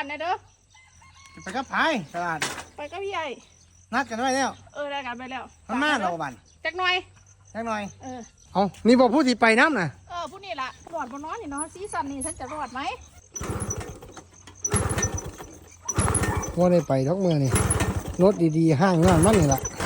นะเด้อไปกับพายตลาดไปกับพี่ใหญ่นัดกันไว้แล้วได้กันไปแล้วมันมาเราบันจักหน่อยเอานี่บอกผู้ที่ไปน้ำน่ะผู้นี่ล่ะรอดบนน้อนนี่เนาะซีซั่นนี้ฉันจะรอดไหมว่าได้ไปทุกเมื่อนี่รถดีๆห้างงานมันนี่แหละ